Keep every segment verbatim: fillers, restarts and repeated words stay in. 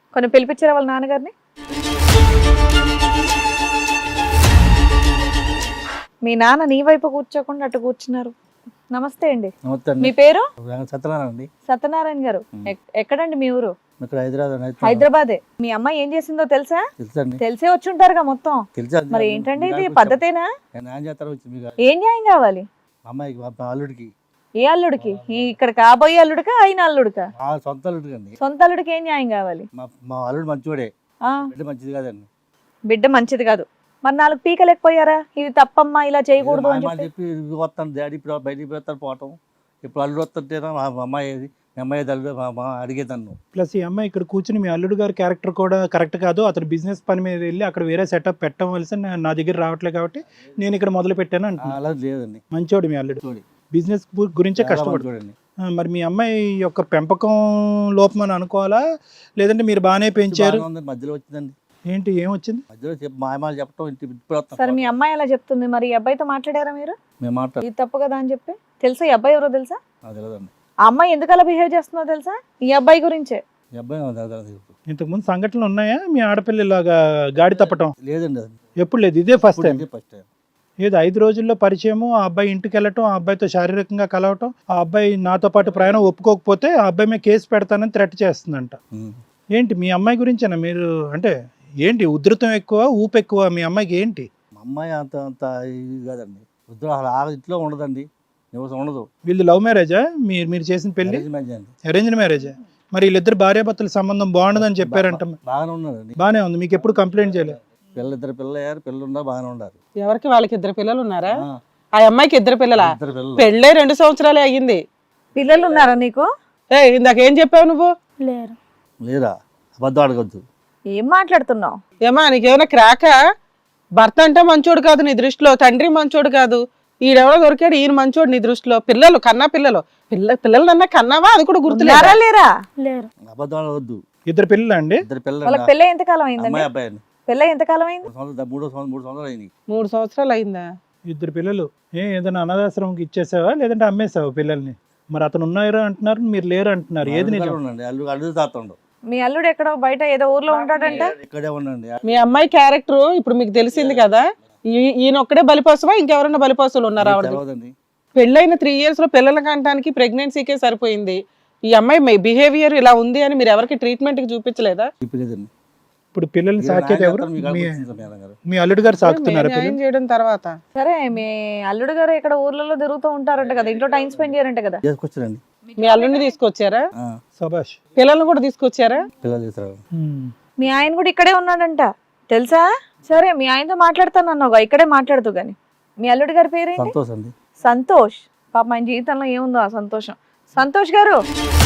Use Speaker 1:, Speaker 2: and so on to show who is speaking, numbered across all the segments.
Speaker 1: కొన్ని పిలిపించారా వాళ్ళ నాన్నగారిని? మీ నాన్న నీ వైపు కూర్చోకుండా అటు కూర్చున్నారు. నమస్తే అండి.
Speaker 2: నమస్తే
Speaker 1: మీ
Speaker 2: అండి.
Speaker 1: పేరు?
Speaker 2: సత్యనారాయణ అండి.
Speaker 1: సత్యనారాయణ గారు. ఎక్- ఎక్కడండి మీ ఊరు?
Speaker 2: ఇక్కడ హైదరాబాద్
Speaker 1: హైదరాబాదే. మీ అమ్మాయి ఏం చేసిందో తెలుసా?
Speaker 2: తెలుసండి.
Speaker 1: తెలిసే వచ్చి ఉంటారుగా మొత్తం.
Speaker 2: తెలుసా?
Speaker 1: మరి ఏంటంటే ఇది పద్ధతేనా?
Speaker 2: న్యాయం చేస్తారు వచ్చి మీకు
Speaker 1: ఏం న్యాయం కావాలి?
Speaker 2: అమ్మాయికి మా అల్లుడికి
Speaker 1: ఏ అల్లుడికి? ఈ ఇక్కడ కాబోయే అల్లుడికా అయిన అల్లుడికా?
Speaker 2: మా సొంత అల్లుడికి అండి.
Speaker 1: సొంత అల్లుడికి ఏం న్యాయం కావాలి?
Speaker 2: మా మా అల్లుడు మంచివాడే,
Speaker 1: ఆ
Speaker 2: బిడ్డ మంచిది కాదండి.
Speaker 1: బిడ్డ మంచిది కాదు. మరి నాలుగు పీకలేకపోయారా? ఇది తప్పమ్మా, ఇలా చేయకూడదు అని
Speaker 2: మా
Speaker 1: చెప్పి?
Speaker 2: చెప్పి ఇది వస్తాను డాడీ ఇప్పుడు బయటికి పోతాను పోవటం. ఇప్పుడు అల్లుడు వస్తుంటేనా మా అమ్మాయి మీ అమ్మాయి అల్లుడు మా మా అడిగేదాన్ని.
Speaker 3: ప్లస్ ఈ అమ్మాయి ఇక్కడ కూర్చుని మీ అల్లుడు గారి క్యారెక్టర్ కూడా కరెక్ట్ కాదు, అతను బిజినెస్ పని మీద వెళ్ళి అక్కడ వేరే సెటప్ పెట్టవలసి నా దగ్గర రావట్లేదు కాబట్టి నేను ఇక్కడ మొదలు పెట్టాను అంటున్నా.
Speaker 2: అలా లేదండి.
Speaker 3: మంచోడు మీ అల్లుడు,
Speaker 2: చూడి
Speaker 3: బిజినెస్ గురించే కష్టపడు.
Speaker 2: చూడండి.
Speaker 3: మరి మీ అమ్మాయి యొక్క పెంపకం లోపం అని అనుకోవాలా, లేదంటే మీరు బాగానే పెంచారు?
Speaker 2: మధ్యలో వచ్చిందండి.
Speaker 3: ఏంటి ఏం వచ్చింది
Speaker 2: మధ్యలో చెప్పి మాయమాలు చెప్పడం ఇంటి ఇప్పుడు వస్తాం.
Speaker 1: సరే మీ అమ్మాయి అలా చెప్తుంది, మరి ఈ అబ్బాయితో మాట్లాడారా మీరు?
Speaker 2: మేము మాట్లాడు
Speaker 1: ఇది తప్పు కదా అని చెప్పి? తెలుసా ఈ అబ్బాయి ఎవరో తెలుసా?
Speaker 2: అది తెలియదండి.
Speaker 1: ఆ అమ్మాయి ఎందుకు అలా బిహేవ్ చేస్తుందో తెలుసా? ఈ అబ్బాయి గురించే.
Speaker 2: ఈ అబ్బాయి నాకు తెలియదు.
Speaker 3: ఇంతకుముందు సంఘటనలు ఉన్నాయా మీ ఆడపిల్ల ఇలాగా గాడి తప్పటం?
Speaker 2: లేదండి. అది
Speaker 3: ఎప్పుడు లేదు, ఇదే ఫస్ట్ టైం.
Speaker 2: First time.
Speaker 3: ఏదో ఐదు రోజుల్లో పరిచయము, ఆ అబ్బాయి ఇంటికి వెళ్ళటం, ఆ అబ్బాయితో శారీరకంగా కలవటం, ఆ అబ్బాయి నాతో పాటు ప్రయాణం ఒప్పుకోకపోతే ఆ అబ్బాయి మీద కేసు పెడతానని థ్రెట్ చేస్తుందంట.
Speaker 2: ఉం.
Speaker 3: ఏంటి మీ అమ్మాయి గురించేనా మీరు? అంటే ఏంటి ఉధృతం ఎక్కువ, ఊపు ఎక్కువ మీ అమ్మాయికి ఏంటి?
Speaker 2: మా అమ్మాయి అంత అంత ఇది కాదండి. వద్దు అసలు ఆ ఇంట్లో ఉండదండి, నివసం ఉండదు.
Speaker 3: వీళ్ళు లవ్ మ్యారేజా మీరు మీరు చేసిన పెళ్లి?
Speaker 2: Arrange marriage అండి.
Speaker 3: అరేంజ్డ్ మ్యారేజా? మరి వీళ్ళిద్దరు భార్యాభర్తల సంబంధం బాగుండదని చెప్పారంట.
Speaker 2: బాగానే ఉన్నారండి.
Speaker 3: బాగానే ఉంది, మీకు ఎప్పుడు కంప్లైంట్ చేయలేదు?
Speaker 2: పిల్లలు ఇద్దరు పిల్లలు అయ్యారు, పిల్లలు ఉన్నారు, బాగానే ఉన్నారు.
Speaker 4: ఎవరికి? వాళ్ళకి ఇద్దరు పిల్లలు ఉన్నారా?
Speaker 2: ఆ,
Speaker 4: ఆ అమ్మాయికి ఇద్దరు పిల్లలా?
Speaker 2: ఇద్దరు పిల్లలు.
Speaker 4: పెళ్ళే రెండు సంవత్సరాలే అయ్యింది.
Speaker 1: పిల్లలు ఉన్నారా నీకు?
Speaker 4: ఏ ఇందాక ఏం చెప్పావు నువ్వు?
Speaker 1: లేరు.
Speaker 2: లేరా? అబద్ధం అడగద్దు.
Speaker 1: ఏం మాట్లాడుతున్నావు?
Speaker 4: ఏమా నీకేమైనా క్రాక? భర్త అంటే మంచోడు కాదు నీ దృష్టిలో, తండ్రి మంచోడు కాదు, ఈడెవడో దొరికాడు ఈయన మంచోడు నీ దృష్టిలో. పిల్లలు కన్నా పిల్లలు పిల్ల పిల్లలన్నా కన్నావా? అది కూడా గుర్తులేరా?
Speaker 1: ఉన్నారా లేరా? లేరు.
Speaker 2: అబద్ధం అడగద్దు.
Speaker 3: ఇద్దరు పిల్లలు అండి?
Speaker 2: ఇద్దరు పిల్లలు.
Speaker 1: వాళ్ళకి పెళ్ళి ఎంతకాలం అయిందండి?
Speaker 2: అమ్మాయి అబ్బాయి అండి.
Speaker 1: పెళ్ళి ఎంతకాలం అయింది?
Speaker 2: మూడు సంవత్సరాలు మూడో సంవత్సరం మూడు సంవత్సరాలు అయింది.
Speaker 4: మూడు సంవత్సరాలు అయిందా?
Speaker 3: ఇద్దరు పిల్లలు. ఏ ఏదైనా అనాథాశ్రమంకి ఇచ్చేసావా లేదంటే అమ్మేసావా పిల్లల్ని? మరి అతను ఉన్నారా అంటున్నారు, మీరు లేరు అంటున్నారు, ఏది నిజం?
Speaker 2: ఉండండి. అల్లు అల్లు తాతండు.
Speaker 1: మీ అల్లుడు ఎక్కడో బయట ఏదో ఊర్లో ఉంటాడంట.
Speaker 2: ఇక్కడే ఉండండి.
Speaker 4: మీ అమ్మాయి క్యారెక్టర్ ఇప్పుడు మీకు తెలిసింది కదా. ఈ- ఈయన ఒక్కడే బలిపోసవా, ఇంకెవరైనా బలిపోసలు ఉన్నారా? ఆవిడ
Speaker 2: తెలవదండి.
Speaker 4: పెళ్ళైన త్రీ ఇయర్స్ లో పిల్లల కంటానికి ప్రెగ్నెన్సీకే సరిపోయింది. ఈ అమ్మాయి బిహేవియర్ ఇలా ఉంది అని మీరు ఎవరికి ట్రీట్మెంట్ కి చూపించలేదా?
Speaker 2: చెప్పలేదండి.
Speaker 3: ఇప్పుడు పిల్లల్ని సాకేది ఎవరు? మీ
Speaker 2: మేడం
Speaker 3: మీ అల్లుడు గారు సాకుతున్నారా
Speaker 4: న్యాయం
Speaker 3: పిల్లలు?
Speaker 4: చేయడం తర్వాత
Speaker 1: సరే మీ అల్లుడు గారు ఇక్కడ ఊర్లలో తిరుగుతూ ఉంటారంట కదా, ఇంట్లో టైం స్పెండ్ చేయారంట కదా.
Speaker 2: చేసుకొచ్చారండి.
Speaker 4: మీ అల్లుడిని తీసుకొచ్చారా?
Speaker 2: ఆ,
Speaker 3: సభాష్.
Speaker 4: పిల్లల్ని కూడా తీసుకొచ్చారా?
Speaker 2: పిల్లలు చేస్తారు.
Speaker 3: ఉమ్.
Speaker 1: మీ ఆయన కూడా ఇక్కడే ఉన్నాడంట తెలుసా? సరే మీ ఆయనతో మాట్లాడతాను అన్నావుగా, ఇక్కడే మాట్లాడుతూ గాని. మీ అల్లుడి గారి పేరేంటి?
Speaker 2: సంతోష్ అండి.
Speaker 1: సంతోష్. పాప ఆయన జీవితంలో ఏముందో ఆ సంతోషం. సంతోష్ గారు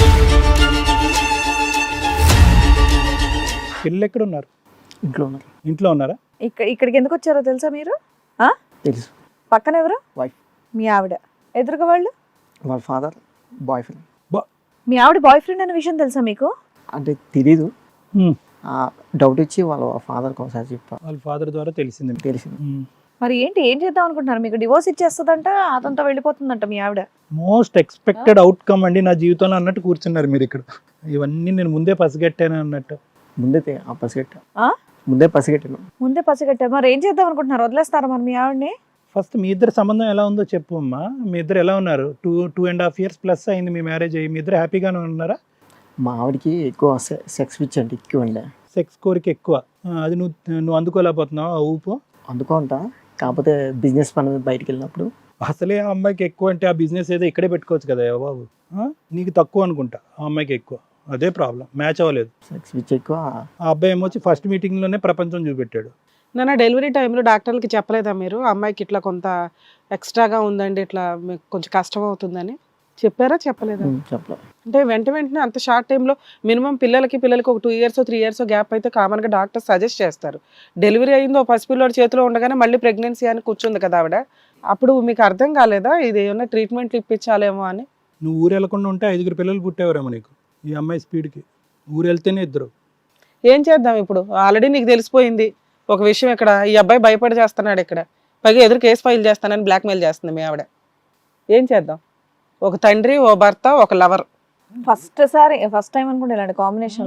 Speaker 3: పిల్లలు ఎక్కడ ఉన్నారు?
Speaker 5: ఇంట్లో ఉన్నారు.
Speaker 3: ఇంట్లో ఉన్నారా?
Speaker 1: ఇక్కడ ఇక్కడికి ఎందుకు వచ్చారో తెలుసా మీరు? ఆ
Speaker 5: తెలుసు.
Speaker 1: పక్కన ఎవరు?
Speaker 5: వైఫ్.
Speaker 1: మీ ఆవిడ. ఎదురుగా వాళ్ళు?
Speaker 5: వాళ్ళ ఫాదర్ బాయ్ ఫ్రెండ్.
Speaker 1: మీ ఆవిడ బాయ్ ఫ్రెండ్ అనే విషయం తెలుసా మీకు?
Speaker 5: అంటే తెలీదు,
Speaker 3: ఉమ్.
Speaker 5: డౌట్ ఇచ్చి వాళ్ళ ఫాదర్కి ఒకసారి చెప్పా,
Speaker 3: వాళ్ళ ఫాదర్ ద్వారా తెలిసింది.
Speaker 5: తెలిసింది.
Speaker 3: ఉమ్.
Speaker 1: మరి ఏంటి, ఏం చేద్దాం అనుకుంటున్నారు? మీకు డివోర్స్ ఇచ్చేస్తుందంట, అతనితో వెళ్ళిపోతుందంట మీ ఆవిడ.
Speaker 3: మోస్ట్ ఎక్స్పెక్టెడ్ అవుట్కమ్ అండి నా జీవితంలో అన్నట్టు కూర్చున్నారు మీరు ఇక్కడ. ఇవన్నీ నేను ముందే పసిగట్టాను అన్నట్టు.
Speaker 5: ముందే తె- ఆ పసిగట్ట
Speaker 1: ఆ?
Speaker 5: ముందే పసిగట్టాను.
Speaker 1: ముందే పసిగట్టారు. మరి ఏం చేద్దాం అనుకుంటున్నారు? వదిలేస్తారా మరి మీ ఆవిడని?
Speaker 3: ఫస్ట్ మీ ఇద్దరు సంబంధం ఎలా ఉందో చెప్పు అమ్మా. మీ ఇద్దరు ఎలా ఉన్నారు? Two two and half years plus అయింది మీ మ్యారేజ్ అయ్యి. మీ ఇద్దరు హ్యాపీగానే ఉన్నారా?
Speaker 5: మా ఆవిడకి ఎక్కువ సె- సెక్స్ పిచ్ అంటే ఎక్కువ ఉండే.
Speaker 3: సెక్స్ కోరిక ఎక్కువ. ఆ, అది నువ్వు నువ్వు అందుకోలేకపోతున్నావు ఆ ఊపు.
Speaker 5: అందుకుంటా, కాకపోతే బిజినెస్ పని మీద బయటికి వెళ్ళినప్పుడు
Speaker 3: అసలే ఆ అమ్మాయికి ఎక్కువ అంటే ఆ బిజినెస్ ఏదో ఇక్కడే పెట్టుకోవచ్చు కదా ఏ బాబు. ఆ? నీకు తక్కువ అనుకుంటా, ఆ అమ్మాయికి ఎక్కువ. అదే ప్రాబ్లం, మ్యాచ్ అవ్వలేదు.
Speaker 5: సెక్స్ పిచ్ ఎక్కువ.
Speaker 3: ఆ అబ్బాయి ఏమొచ్చి ఫస్ట్ మీటింగ్లోనే ప్రపంచం చూపెట్టాడు.
Speaker 4: నన్ను డెలివరీ టైంలో డాక్టర్లకి చెప్పలేదా మీరు అమ్మాయికి ఇట్లా కొంత ఎక్స్ట్రాగా ఉందండి, ఇట్లా మీకు కొంచెం కష్టం అవుతుందని చెప్పారా చెప్పలేదా?
Speaker 5: ఉమ్, చెప్పలే.
Speaker 4: అంటే వెంట వెంటనే అంత షార్ట్ టైంలో మినిమం పిల్లలకి పిల్లలకి ఒక two years three years gap అయితే కామన్గా డాక్టర్ సజెస్ట్ చేస్తారు. డెలివరీ అయిందో పసిపిల్లోడి చేతిలో ఉండగానే మళ్ళీ ప్రెగ్నెన్సీ అని కూర్చుంది కదా ఆవిడ. అప్పుడు మీకు అర్థం కాలేదా ఇది ఏమన్నా ట్రీట్మెంట్లు ఇప్పించాలేమో అని?
Speaker 3: నువ్వు ఊరు వెళ్లకుండా ఉంటే ఐదుగురు పిల్లలు పుట్టేవారేమో నీకు ఈ అమ్మాయి స్పీడ్కి. ఊరు వెళ్తేనే ఇద్దరు.
Speaker 4: ఏం చేద్దాం ఇప్పుడు? ఆల్రెడీ నీకు తెలిసిపోయింది ఒక విషయం, ఇక్కడ ఈ అబ్బాయి భయపడి చేస్తున్నాడు, ఇక్కడ పైగా ఎదురు కేసు ఫైల్ చేస్తానని బ్లాక్మెయిల్ చేస్తుంది మీ ఆవిడ. ఏం చేద్దాం? ఒక తండ్రి, ఓ భర్త, ఒక లవర్.
Speaker 1: ఫస్ట్ సారి ఫస్ట్ టైం అనుకుంటే ఇలాంటి కాంబినేషన్ లో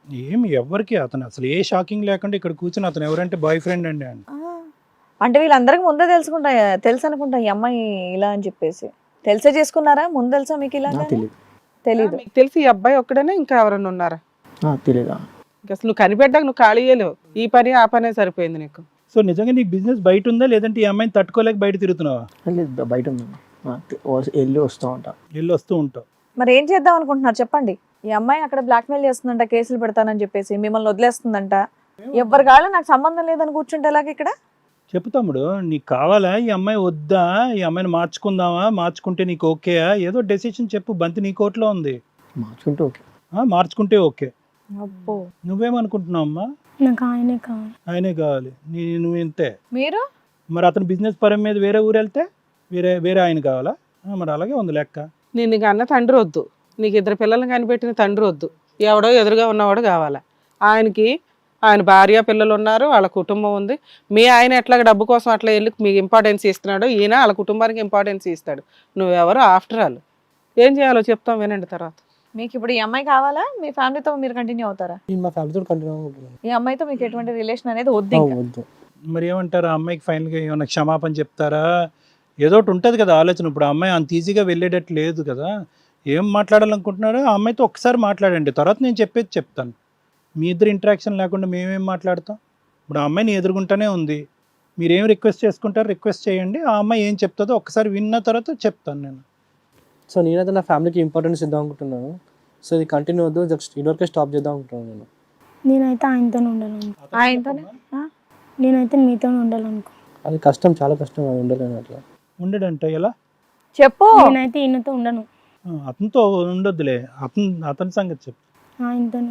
Speaker 3: ఏమి ఎవరికి అతను అసలు ఏ షాకింగ్ లేకుండా ఇక్కడ కూర్చుని అతను ఎవరంటే బాయ్ ఫ్రెండ్ అండి అని.
Speaker 1: ఆ, అంటే వీళ్ళందరికీ ముందే తెలుసుకుంటా తెలుసు అనుకుంటా ఈ అమ్మాయి ఇలా అని చెప్పేసి. తెలిసే చేసుకున్నారా? ముందు తెలుసా మీకు ఇలా?
Speaker 5: నాకు తెలియదు.
Speaker 1: తెలీదు.
Speaker 4: మీకు తెలిసి ఈ అబ్బాయి ఒక్కడేనా ఇంకా ఎవరైనా ఉన్నారా?
Speaker 5: తెలియదా?
Speaker 4: ఇంకా అసలు నువ్వు కనిపెట్టాక నువ్వు ఖాళీ చేయలేవు. ఈ పని ఆ పనే సరిపోయింది నీకు.
Speaker 3: సో నిజంగా నీకు బిజినెస్ బయట ఉందా లేదంటే ఈ అమ్మాయిని తట్టుకోలేక బయట తిరుగుతున్నావా?
Speaker 5: లేదు, బయట ఉందమ్మా. ఆ, వస్- వెళ్ళి వస్తూ ఉంటా.
Speaker 3: వెళ్ళి వస్తూ ఉంటావు.
Speaker 1: మరి ఏం చేద్దాం అనుకుంటున్నారు చెప్పండి? ఈ అమ్మాయి అక్కడ బ్లాక్మెయిల్ చేస్తుందంట, కేసులు పెడతానని చెప్పేసి మిమ్మల్ని వదిలేస్తుందంట. ఎవరి కాళ్ళు నాకు సంబంధం లేదని కూర్చుంటే ఎలాగ ఇక్కడ?
Speaker 3: చెప్పు తమ్ముడు, నీకు కావాలా ఈ అమ్మాయి వద్దా? ఈ అమ్మాయిని మార్చుకుందామా? మార్చుకుంటే నీకు ఓకేయా? ఏదో డెసిషన్ చెప్పు. బంతి నీ కోట్లో ఉంది.
Speaker 5: మార్చుకుంటే ఓకే.
Speaker 3: ఆ, మార్చుకుంటే ఓకే.
Speaker 1: అబ్బో,
Speaker 3: నువ్వేమనుకుంటున్నావు అమ్మా?
Speaker 6: నాకు ఆయనే కావాలి.
Speaker 3: ఆయనే కావాలి. నీ నువ్వు ఇంతే.
Speaker 1: మీరు
Speaker 3: మరి అతను బిజినెస్ పరం మీద వేరే ఊరు వెళ్తే వేరే వేరే ఆయన కావాలా? ఆ, మరి అలాగే ఉంది లెక్క.
Speaker 4: నేను నీకు అన్న తండ్రి వద్దు, నీకు ఇద్దరు పిల్లల్ని కనిపెట్టిన తండ్రి వద్దు, ఎవడో ఎదురుగా ఉన్నవాడు కావాలా. ఆయనకి ఆయన భార్య పిల్లలు ఉన్నారు, వాళ్ళ కుటుంబం ఉంది. మీ ఆయన ఎట్లా డబ్బు కోసం అట్లా వెళ్ళి మీకు ఇంపార్టెన్స్ ఇస్తున్నాడు, ఈయన వాళ్ళ కుటుంబానికి ఇంపార్టెన్స్ ఇస్తాడు. నువ్వెవరు ఆఫ్టర్ ఆల్. ఏం చేయాలో చెప్తాం వినండి తర్వాత.
Speaker 1: మీకు ఇప్పుడు ఈ అమ్మాయి కావాలా? మీ ఫ్యామిలీతో మీరు కంటిన్యూ అవుతారా?
Speaker 7: నేను మా ఫ్యామిలీతో కంటిన్యూ అవుతున్నాను.
Speaker 1: ఈ అమ్మాయితో మీకు ఎటువంటి రిలేషన్ అనేది వద్దు ఇంకా.
Speaker 7: వద్దు.
Speaker 3: మరి ఏమంటారు? ఆ అమ్మాయికి ఫైనల్గా ఏమైనా క్షమాపణ చెప్తారా? ఏదో ఒకటి ఉంటుంది కదా ఆలోచన. ఇప్పుడు ఆ అమ్మాయి అంత ఈజీగా వెళ్ళేటట్టు లేదు కదా. ఏం మాట్లాడాలనుకుంటున్నారో ఆ అమ్మాయితో ఒక్కసారి మాట్లాడండి, తర్వాత నేను చెప్పేది చెప్తాను. మీ ఇద్దరు ఇంటరాక్షన్ లేకుండా మేమేం మాట్లాడతాం? ఇప్పుడు ఆ అమ్మాయిని ఎదుర్కొంటూనే ఉంది. మీరేం రిక్వెస్ట్ చేసుకుంటారో రిక్వెస్ట్ చేయండి. ఆ అమ్మాయి ఏం చెప్తుందో ఒక్కసారి విన్న తర్వాత చెప్తాను నేను.
Speaker 7: సో నేనైతే నా ఫ్యామిలీకి ఇంపార్టెన్స్ ఇద్దాం అనుకుంటున్నాను. సో ఇది కంటిన్యూ వద్దు, జస్ట్ ఇదివరకే స్టాప్ చేద్దాం అనుకుంటున్నాను నేను.
Speaker 6: నేనైతే ఆయనతో ఉండాలనుకో.
Speaker 1: ఆయనతోనే ఆ?
Speaker 6: నేనైతే మీతో ఉండాలనుకో.
Speaker 7: అది కష్టం, చాలా కష్టం అది ఉండలేను అట్లా.
Speaker 3: ఉండడంట ఎలా?
Speaker 1: చెప్పు.
Speaker 6: నేనైతే ఈయనతో ఉండను,
Speaker 3: ఆ, అతనితో ఉండొద్దులే. అతను అతని సంగతి చెప్పు.
Speaker 6: ఆయనతోనే.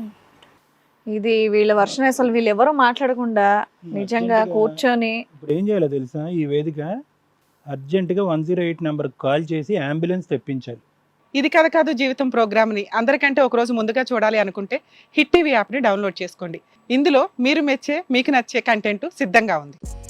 Speaker 1: ఇది వీళ్ళ వర్షం. అసలు వీళ్ళు ఎవరు మాట్లాడకుండా నిజంగా కూర్చొని
Speaker 3: ఇప్పుడు ఏం చేయాలో తెలుసా? ఈ వేదిక అర్జెంటుగా వన్ జీరో ఎయిట్ నెంబర్కి కాల్ చేసి అంబులెన్స్ తెప్పించాలి.
Speaker 4: ఇది కథ కాదు జీవితం ప్రోగ్రామ్ని అందరికంటే ఒకరోజు ముందుగా చూడాలి అనుకుంటే హిట్ టీవీ యాప్ని డౌన్లోడ్ చేసుకోండి. ఇందులో మీరు మెచ్చే మీకు నచ్చే కంటెంట్ సిద్ధంగా ఉంది.